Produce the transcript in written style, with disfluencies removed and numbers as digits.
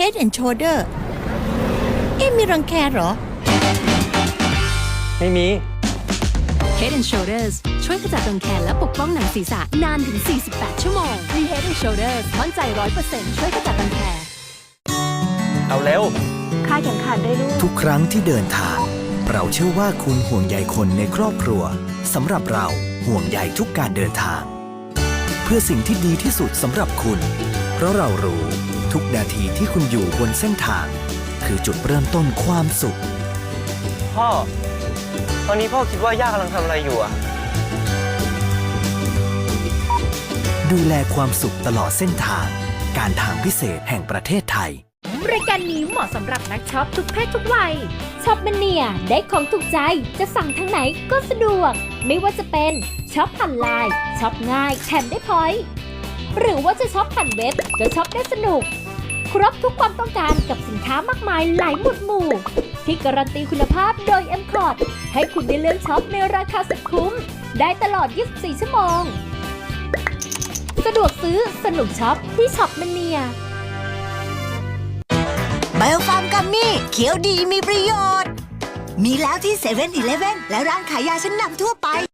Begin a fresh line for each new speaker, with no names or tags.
Head and Shoulder มีรังแคเหรอ
ไม่มี
Head and Shoulders ช่วยขจัดรังแคและปกป้องหนังศีรษะนานถึง 48 ชั่วโมง มี Head and Shoulders มั่นใจ 100% ช่วยขจัดรังแค
เอาเร็ว
คลายเข็มขัดด้วยลูก
ทุกครั้งที่เดินทางเราเชื่อว่าคุณห่วงใยคนในครอบครัวสำหรับเราห่วงใยทุกการเดินทาง เพื่อสิ่งที่ดีที่สุดสำหรับคุณ เพราะเรารู้ทุกนาทีที่คุณอยู่บนเส้นทาง คือจุดเริ่มต้นความสุข
พ่อ ตอนนี้พ่อคิดว่าย่ากำลังทำอะไรอยู่อะ
ดูแลความสุขตลอดเส้นทาง การทางพิเศษแห่งประเทศไทย
รายการนี้เหมาะสำหรับนักช็อปทุกเพศทุกวัยช็อปมันเนียได้ของถูกใจจะสั่งทางไหนก็สะดวก ไม่ว่าจะเป็นช็อปผ่านไลน์ช็อปง่ายแถมได้พอยต์หรือว่าจะช็อปผ่านเว็บก็ช็อปได้สนุก ครบทุกความต้องการกับสินค้ามากมายหลายหมวดหมู่ ที่การันตีคุณภาพโดย M-Cort ให้คุณได้เลือกช็อปในราคาสุดคุ้มได้ตลอด 24 ชั่วโมง สะดวกซื้อสนุกช็อปที่ช็อปมันเนีย
ไบโอฟาร์มกัมมี่เขียวดีมีประโยชน์ มีแล้วที่7-Eleven และร้านขายยาชั้นนำทั่วไป